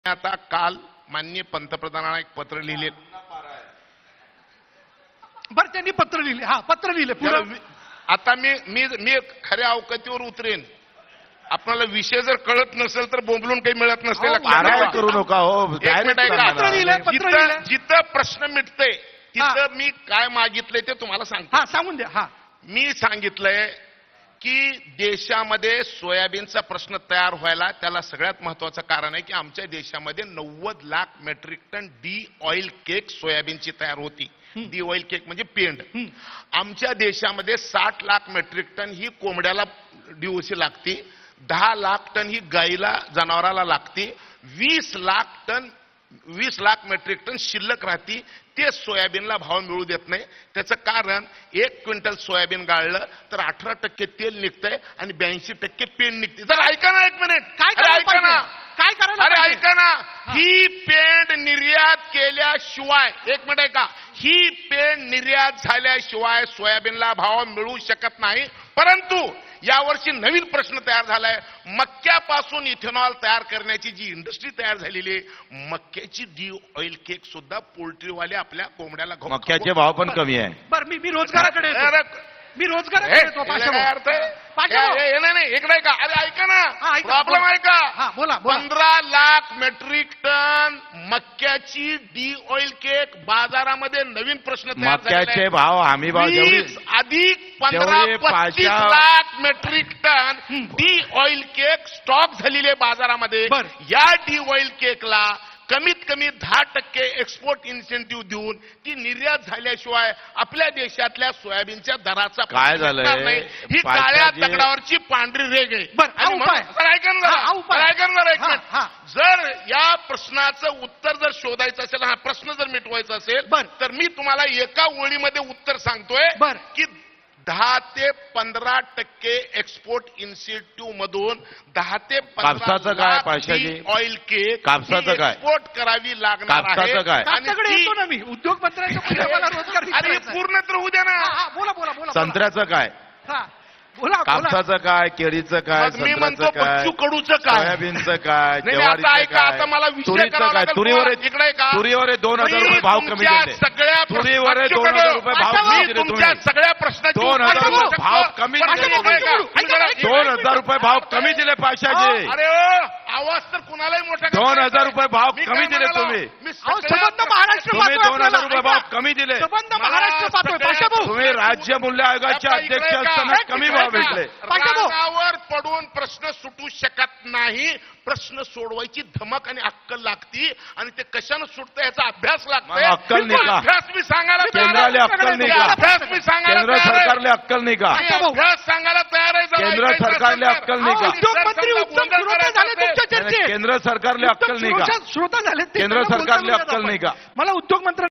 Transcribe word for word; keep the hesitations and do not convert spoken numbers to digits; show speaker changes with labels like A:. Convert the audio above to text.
A: आता काल माननीय पंतप्रधानांना एक पत्र लिहिले.
B: बर त्यांनी पत्र लिहिले. हा पत्र लिहिले पुढे.
A: आता मी मी मी खऱ्या अवकातीवर उतरेन. आपल्याला विषय जर कळत नसेल तर बोंबलून काही मिळत नसेल.
C: करू नका हो.
B: पत्र लिहिले, पत्र लिहिले.
A: जिथं प्रश्न मिटते तिथं मी काय मागितलंय ते तुम्हाला सांगतो.
B: हा सांगून द्या. हा
A: मी सांगितलंय की देशामध्ये सोयाबीनचा प्रश्न तयार व्हायला त्याला सगळ्यात महत्वाचं कारण आहे की आमच्या देशामध्ये नव्वद lakh metric ton de oil cake सोयाबीनची तयार होती. डी ऑइल केक म्हणजे पेंड. आमच्या देशामध्ये साठ लाख मेट्रिक टन ही कोंबड्याला डीओसी लागते. दहा लाख टन ही गाईला जनावराला लागते. वीस लाख टन वीस लाख मेट्रिक टन शिल्लक राहती. ते सोयाबीनला भाव मिळू देत नाही. त्याचं कारण एक क्विंटल सोयाबीन गाळलं तर अठरा टक्के तेल निघतंय आणि ब्याऐंशी टक्के पेंड निघते. जर ऐका ना एक मिनिट.
B: काय
A: ऐका ना
B: काय करा.
A: अरे ऐका ना. ही पेंड निर्यात केल्याशिवाय एक मिनिट ऐका. ही पेंड निर्यात झाल्याशिवाय सोयाबीनला भाव मिळू शकत नाही. परंतु यावर्षी नवीन प्रश्न तयार झालाय. मक्यापासून इथेनॉल तयार करण्याची जी इंडस्ट्री तयार झालेली आहे, मक्याची डी ऑइल केक सुद्धा पोल्ट्रीवाले आपल्या कोंबड्याला घालतात.
C: मक्याचे भाव पण कमी आहे.
B: बर मी मी रोजगाराकडे येतो. मी रोजगाराकडे येतो.
A: अर्थ नाही इकडे का. अरे ऐका ना. प्रॉब्लेम आहे का.
B: बोला.
A: पंधरा लाख मेट्रिक टन मक्याची डी ऑइल केक बाजारामध्ये नवीन प्रश्न तयार
C: मक्याचे भाव हमी भाव
A: वीस अधिक पंधरा पस्तीस lakh metric ton de oil cake stock झालेले बाजारामध्ये. या डी ऑइल केकला कमीत कमी दहा टक्के एक्सपोर्ट इन्सेंटिव्ह देऊन ती निर्यात झाल्याशिवाय आपल्या देशातल्या सोयाबीनच्या दराचा
C: काय झालंय.
A: ही काळ्या दगडावरची पांढरी रेग आहे. ऐका ना. जर या प्रश्नाचं उत्तर जर शोधायचं असेल, हा प्रश्न जर मिटवायचा असेल तर मी तुम्हाला एका ओळीमध्ये उत्तर सांगतोय की दहा ते पंधरा टक्के एक्सपोर्ट इन्सेंटिव्ह मधून दहा ते
C: कापसाचं काय पाशाजी.
A: ऑइल केक
C: कापसाचं काय
A: एक्सपोर्ट करावी लागणार आहे.
C: कापसाचं काय.
B: आणि येतो ना मी उद्योग मंत्र्यांच्या रोजगार
A: आणि पूर्ण तर होऊ द्या ना.
B: बोला बोला बोला.
C: संत्र्याचं काय.
B: हा बोला.
C: कापसाचं काय, केळीचं काय,
A: मी म्हणतो
C: संत्र्याचं काय,
A: पच्चू कडूचं काय,
C: सोयाबीनचं काय,
A: आता
C: ज्वारीचं
A: ऐका. आता मला
C: काय,
A: विषय
C: तुरीचं काय. तुरीवर
A: इकडे का
C: तुरीवर दोन हजार रुपये भाव कमी दिले.
A: सगळ्या
C: तुरीवर दोन हजार रुपये भाव कमी दिले.
A: तुमच्या सगळ्या प्रश्नाची
C: दोन हजार रुपये भाव कमी दिले. दोन हजार रुपये भाव कमी दिले पाशाजी.
A: अरे आवाज तर कुणालाही मोठा.
C: दोन हजार रुपये भाव कमी दिले तुम्ही.
B: संबंध महाराष्ट्र
C: तुम्ही दोन हजार रुपये भाव कमी दिले.
B: संबंध महाराष्ट्र पाहतोय.
C: तुम्ही राज्य मूल्य आयोगाचे अध्यक्ष असताना कमी भाव भेटले.
A: रागावर पडून प्रश्न सुटू शकत नाही. प्रश्न सोडवायची धमक आणि अक्कल लागती आणि ते कशानं सुटतं याचा अभ्यास लागतोय.
C: अक्कल नाही का.
A: अभ्यास मी सांगायला
C: केंद्राला अक्कल नाही का.
A: अभ्यास मी सांगायला
C: केंद्र सरकारले अक्कल नाही का.
A: अभ्यास सांगायला तयार आहे.
C: केंद्र सरकारले अक्कल नाही का.
B: उद्योगमंत्री उत्तम श्रोता झाले तुमच्या चर्चेत.
C: केंद्र सरकारले अक्कल नाही का.
B: श्रोता झाले.
C: केंद्र सरकारले अक्कल नाही का.
B: मला उद्योग मंत्री